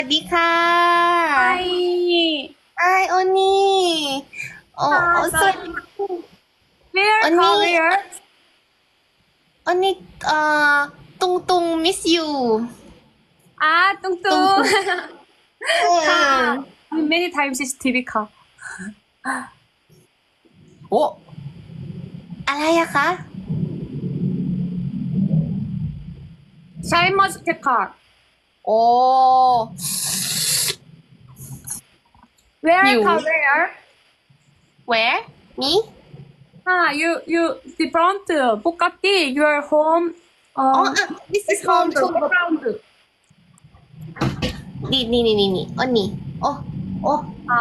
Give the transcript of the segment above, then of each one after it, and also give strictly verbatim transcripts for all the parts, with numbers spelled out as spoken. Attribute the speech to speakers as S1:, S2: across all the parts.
S1: สวัสดีค่ะ
S2: Hi.
S1: ไอโอนี่โอ้โอ้สวัสดี
S2: Where?
S1: Oni.
S2: How where?
S1: โอนี่เอ่อตุงตุง miss you
S2: Ah,
S1: ตุง
S2: 뚱뚱.
S1: ตุงเออ
S2: 카. Many times 씨씨티비 카.
S1: โอ้อะไรอะคะ
S2: 샤인머스켓 카.
S1: โอ้
S2: Where?
S1: You.
S2: 카 where?
S1: where me
S2: Ah, you you different. 똑같이 your home.
S1: อ๋อ
S2: 어.
S1: อ่ะ this is home too
S2: background.
S1: นี่นี่นี่นี่นี่โอนี่โอ้โอ้
S2: 아.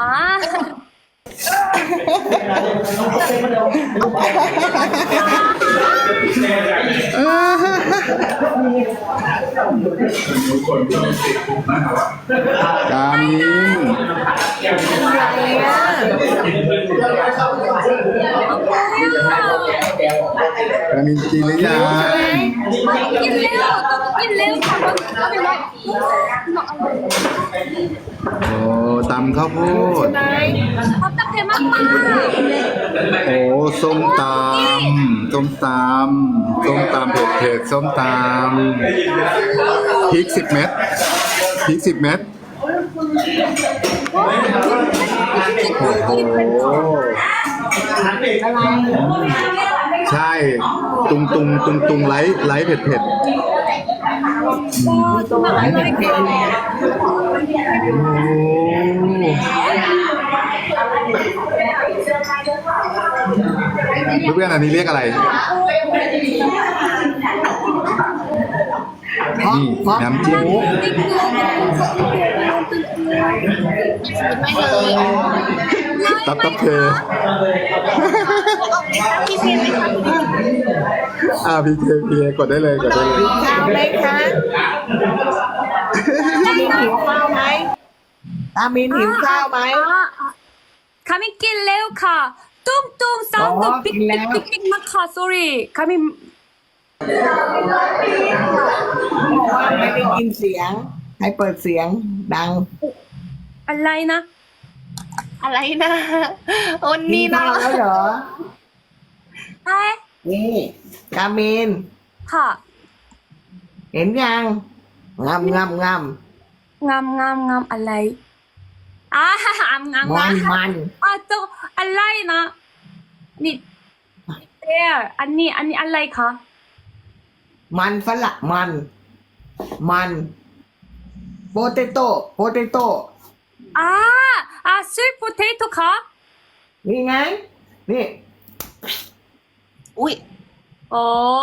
S3: กามินกามินกินหรือยัง
S2: 낄래요. 또 낄래요. 잠깐. 아니 뭐.
S3: โอ้ตำข้าวโพด
S2: 답답해 막마.
S3: โอ้ส้มตำส้มตำส้มตำเผ็ดเผ็ดๆส้มตำพริกสิบเม็ดพริกสิบเม็ดโอ้โหใช่ตุงตุงตุงตุงไลท์ไลท์เผ็ดเผ็ด
S2: 어, 정말 알라니까.
S3: เพื่อนๆอันนี้เรียกอะไร นี่น้ำจิ้ม
S1: ไม่เลย
S3: ตับตับเธอ
S1: พี่เพนไหมคะ
S3: อ่าพีเคพีกดได้เลยกดได้เลย
S4: ข้าวไหมคะตามินหิวข้าวไหมตามินหิวข้าวไหม
S2: 아, 아, 가민 낄래요 카. 뚱뚱 사운드
S4: 어, 낄래요?
S2: 삑삑삑삑 마카 소리. 가민
S4: บอกว่าไม่ได้ยินเสียง ให้เปิดเสียงดัง
S2: 알라이나.
S1: อะไรนะโอ
S4: กิ
S1: นี่
S4: น
S1: นะ
S4: ข้าวแล้วเหรอ
S2: 하이
S4: นี่กามิน
S2: 카.
S4: เห็นยังงามงามงาม
S2: 냠냠냠 알라이. 아, 암암암.
S4: มันมัน
S2: 아, 저 알라이나. 니 there. 아니 아니 알라이 카.
S4: มันฝรั่งมัน มันโปเตโต้โปเตโต้
S2: 아, 아, 스윗 포테이토 카.
S4: นี่ไง นี่
S1: อุ้ย
S2: 어.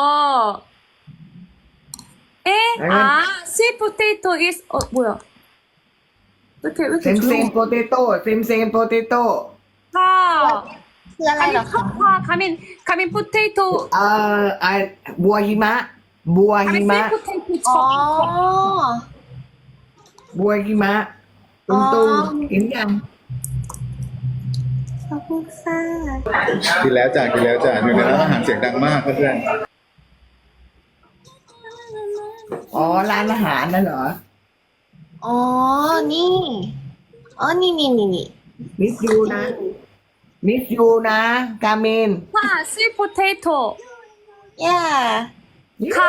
S2: 에? 아, 스윗 포테이토 is 어 뭐야? 왜 이렇게 왜
S4: เซ
S2: 이렇게
S4: มเซม
S2: 조용?
S4: โปเตโต้เซมเซมโปเตโต้
S2: 카.
S1: คืออะไรเหรอ
S2: 가민
S1: คะ
S2: 카카 가민 가민 포테이토.
S4: เอ่อไอบัวหิมะ บัวหิ
S2: 가민
S4: มะ
S2: 스윗 포테이토
S1: อ๋อ
S2: 척.
S4: บัวหิมะตุ้งตุ้งเห็นยัง
S1: ขอบคุณค่ะ
S3: กินแล้วจ้ะกินแล้วจ้ะอยู่ในร้านอาหารเสียงดังมากเพื่อน
S4: อ๋อ ร้านอาหารนั่นเหรอ
S1: อ๋อ นี่ อ๋อ นี่นี่นี่นี่
S4: มิสยูนะ มิสยูนะ กาเมน
S2: 카 스윗 포테이토.
S1: ย่า
S2: 카.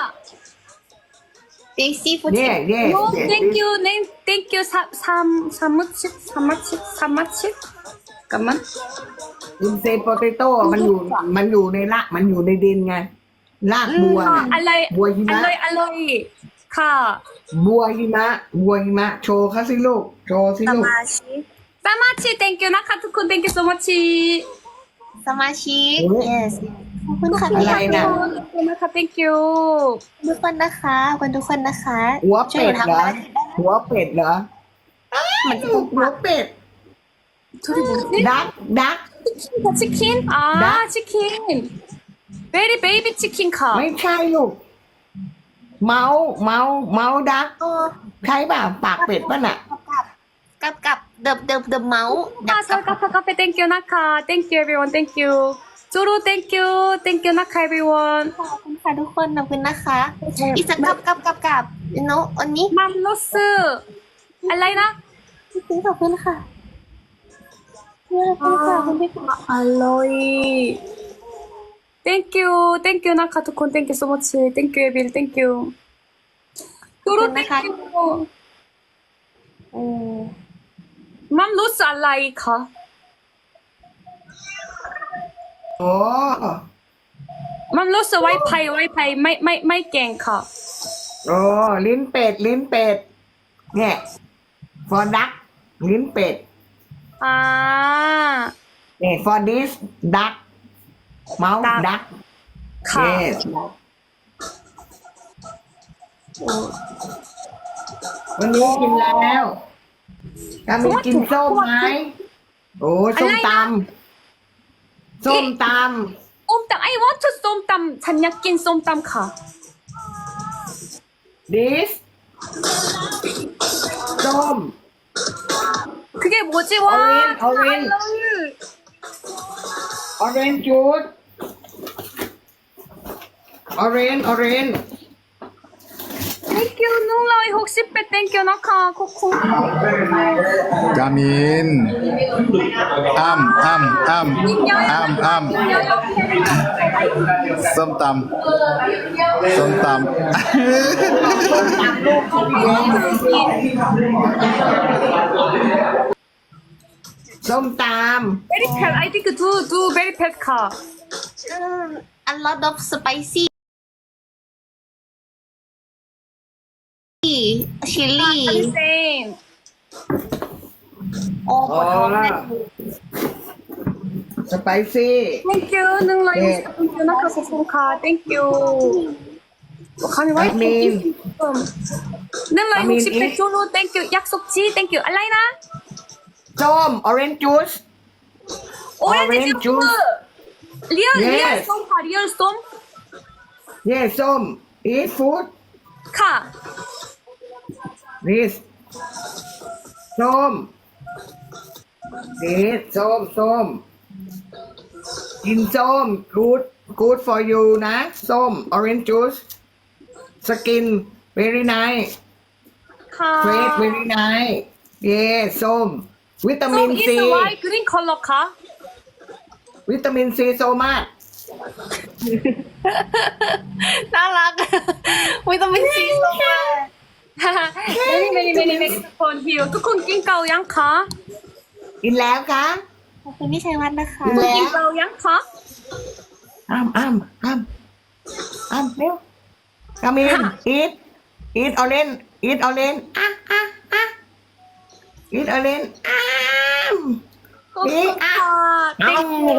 S1: เบซี่ฟูด
S4: เย่เย่
S2: No, thank you, name, thank you. 삼, 삼, 삼무치, 삼마치, 삼마치. 잠깐만.
S4: อินเซโปเตโต้มันอยู่ มันอยู่ในละ มันอยู่ในดินไง รากบัว
S2: 카,
S4: น่ะ
S2: 알로이,
S4: 뭐หิมะ
S2: 알로이, 알로이. 카.
S4: บัวหิมะ บัวหิมะ โชว์เขาสิลูก โชว์สิลูก
S1: สมาชิก
S2: 사마치, thank you. 나카투쿤, thank you so much.
S1: สมาชิก
S4: โอ้ย
S1: yes ขอบคุณค่ะ
S4: อะไรน่ะ
S2: 나카, thank you.
S1: ทุกคนนะคะขอบคุณทุกคนนะคะ
S4: หัว
S1: ช่วย
S4: เป็ด
S1: ทำ
S4: เหรอ
S1: อะไรได้
S4: หัวเป็ดเหรอ
S1: มันจะ
S4: หัวเป็ด
S2: 둘이 뭐지?
S4: ดัก ดัก
S2: 치킨? 아,
S4: 나?
S2: 치킨. 베리 베이비 치킨 카.
S4: ไม่ใช่ลูก เมาส์เมาส์เมาส์ดัก
S1: โอ้
S4: ใช่ป่ะ ปากเป็ดป่ะน่ะ
S1: กับกับเดิมเดิมเดิมเมาส์
S2: 아, 설카파 카페 thank you 나카. Thank you everyone. Thank you. 쪼로 thank you. Thank you 나카 everyone.
S1: ขอบคุณค่ะทุกคนขอบคุณนะคะอีสักกับกับกับกับโนอันนี้
S2: 맘로스. อะไรนะ
S1: ซื้อขอบคุณค่ะขอบคุณค่ะคุณพี่
S2: อร่อย thank you thank you นะคะทุกคน thank you so much thank you 에빌 thank you ตูรุ thank you
S1: โอ้
S2: มัมรู้สึกอะไรคะ
S4: โอ้
S2: มัมรู้สึก Wi-Fi Wi-Fi ไม่ไม่ไม่เก่งค่ะ
S4: โอ้ลิ้นเป็ด ลิ้นเป็ด เนี่ยฟอดักลิ้นเป็ด
S2: อ่า
S4: เนี่ย for this duck mouse
S2: Duck
S4: duck
S2: ค่ะ
S4: yes วันนี้กินแล้วกามีกินส้มไหมโอ้ส้มตำส้มต
S2: ส้มตำ I want to ส้มตำฉันอยากกินส้มตำค่ะ
S4: ำ this ส้ม
S2: 그게 뭐지 와
S4: Orange, orange.
S2: I love you.
S4: orange juice orange orange
S2: thank you 농라이 혹시 빼 thank you 나카 코코
S3: กามินอ้ำอ้ำอ้ำอ้ำอ้ำส้มตำส้มตำ
S4: ส้มต
S2: very pet I think do do very pet 카
S1: อืม a lot of spicy chili
S2: same
S1: โอ้
S4: ำ
S1: ป
S4: อ๋
S1: ว
S4: อ
S1: ดท้องแน่
S4: สไปซี่
S2: thank you 농라이
S4: 네.
S2: thank you 나카 코코카 thank you 감이 와이
S4: 아민.
S2: 농라이
S4: 아민,
S2: 혹시 빼
S4: 이.
S2: 조로 thank you 약속지 thank you 알라이나
S4: ส้ม orange juice
S2: 오렌지
S4: Orange
S2: 주스
S4: juice.
S2: 리얼 리얼
S4: Yes.
S2: 쏨카 리얼 쏨
S4: เย่ส้ม eat food
S2: 카
S4: this ส้ม this ส้มส้มกินส้ม good good for you นะ ส้ม orange juice skin very nice
S2: 카
S4: face very nice เย่ส้ม วิตามิน
S2: 쏨
S4: ซี
S2: is white green color 카
S4: วิตามินซีโซมาก
S1: น่ารัก วิตามินซีสูงมาก
S2: many many many manyทุกคนหิวทุกคนกินเกายังคะ
S4: กินแล้วคะ
S1: ขอบคุณพี่ชัยวัฒน์นะคะ
S4: กินแล้ว
S2: กินเกายังคะ
S4: อ้ามอ้ามอ้ามอ้ามเร็วกามิน eat eat orange eat orange อ่ะอ่ะอ่ะ eat orange อ้าม
S2: ขอบคุณค่ะ
S4: อ้าม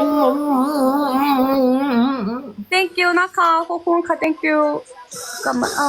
S2: thank you นะคะขอบคุณค่ะ thank you กลับมาอ่า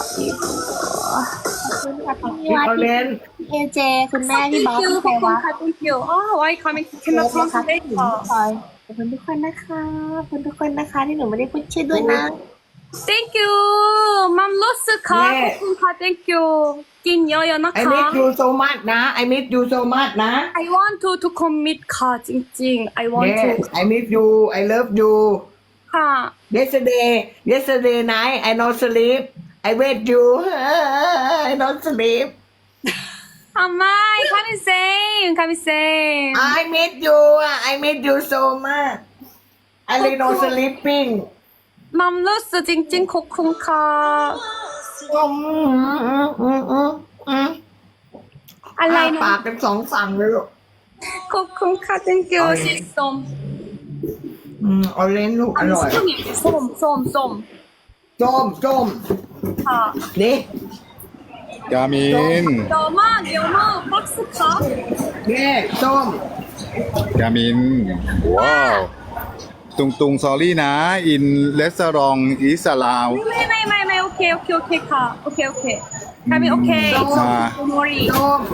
S1: ขอบคุณค่ะพี่
S4: eat
S1: วัฒน์
S4: orange
S1: พี่เอเจ คุณแม่พี่บอส
S2: thank you
S1: พี่
S2: ข
S1: ชั
S2: อบ
S1: ย
S2: คุณ
S1: วัฒน์
S2: ค่ะ thank you อ๋อ why coming
S1: เ
S2: cannot
S1: นะคะ
S2: translate
S1: พี่หนูพลอยขอบคุณทุกคนนะคะขอบคุณทุกคนนะคะที่หนูไม่ได้พูดชื่อด้วยนะ
S2: thank you มัมลสค่ะขอบคุณค่ะ thank you กินเยอะๆนะ
S4: I
S2: คะ
S4: miss you so much นะ I miss you so much นะ
S2: I want to to commit ค่ะจริงๆ I want to
S4: yes I miss you I love you
S2: ค่ะ
S4: yesterday yesterday night I no sleep I wait you I no sleep
S2: ทำไม coming same coming same
S4: I miss you I miss you so much I really no sleeping
S2: มัมรู้สึกจริงๆขอบคุณค่ะ
S4: อืมอืมอืมอืมอืม
S2: อะไร
S4: อ้า
S2: นะ
S4: ปากเป็นสองฝั่งเลยลูก
S2: ขอบคุณค่ะ thank you สีส้ม
S4: อืมออเรนจ์ลูกอร่อย
S2: ส้มส้มส้มส้ม
S4: ส้มส้ม
S2: ค่ะ
S4: นี่
S3: กามิน
S2: เดี๋ยวมาเดี๋ยวมาบ็อกซ์ค่ะ
S4: นี่ส้ม
S3: กามิน ว้าว ตุงตุงซอรี่นะ อินเลสรองอิสลาว
S2: ไม่ไม่ไม่ไม่โอเคโอเคโอเคค่ะโอเคโอเคทำไมโอเค
S3: อ่า
S2: don't worry
S4: ส้ม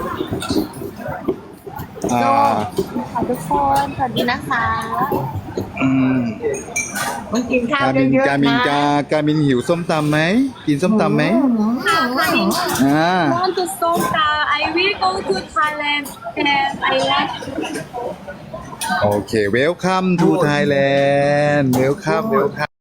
S3: อ่า
S1: ขอบคุณทุกคนสวัสดีนะคะ
S3: อืม
S4: มันกินข้าว
S3: กามิน
S4: เยอะ
S3: กา
S4: ๆ
S3: มิน
S4: นะ
S3: กากามินหิวส้มตำไหม กินส้มตำไหม
S2: ค่ะค่ะ
S3: อ่า
S2: want to stop that I will go to Thailand and I like
S3: โอเค เวลคัมทูไทยแลนด์ เวลคัม เวลคัม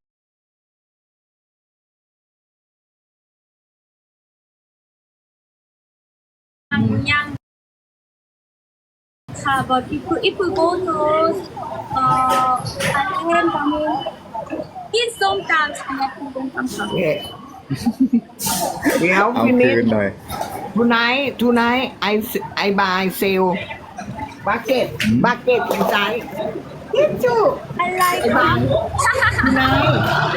S2: Naka, but if you, if you go to uh Thailand, Gamin, eat sometimes snack sometimes.
S4: เนี่ยเดี๋ยว
S3: เอา
S4: พี่นิ
S3: คื
S4: ด
S3: นหน่อย
S4: tonight tonight I I buy sale bucket bucket inside yes too
S2: I like
S4: I buy
S2: it.
S4: tonight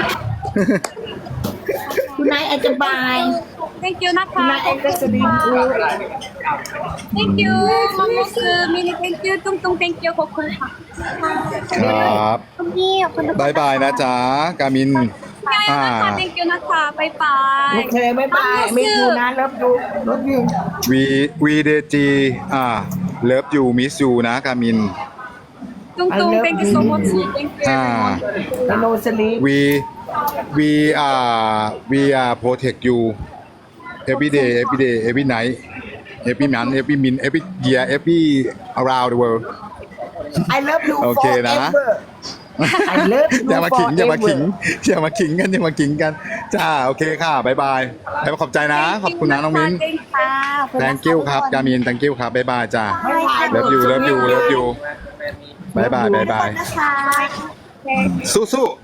S4: tonight I can buy
S2: Thank you, Naka.
S4: tonight I can sleep good
S2: Thank you, Mamos, Mini. Thank you, Tung Tung. Thank you, Kokun.
S3: ครับ
S1: คุณพี่ขอบคุณทุกคน
S3: บายบายนะจ๊ะกามิน อ่า
S2: Thank you, Naka. Bye bye.
S4: โอเคไม่บายไม่ดูนะรับดูรับดู
S3: วีวีเดจีอ่าเลิฟยูมิสยูนะกามิน
S2: Tung Tung. Thank you so much. Thank you,
S3: อ่า
S2: everyone.
S4: โนสลีป
S3: we we are we are protect you every day every day every night every month every minute every year every around the world
S4: I love you
S3: โอเคนะ
S4: forever I love you
S3: อย่ามาขิงอย่ามาขิง
S4: forever
S3: อย่ามาขิงกันอย่ามาขิงกันจ้าโอเคค่ะบายบายบายบายขอบใจนะ ขอบคุณนะน้องมิ้น
S2: Thank you.
S1: ค่ะขอบคุณนะคะ
S3: thank you ครับกามิน thank you ครับบายบายจ้า
S1: บ๊ายบาย
S3: love you love you love you บายบายบายบาย
S1: นะคะ
S3: สู้ๆ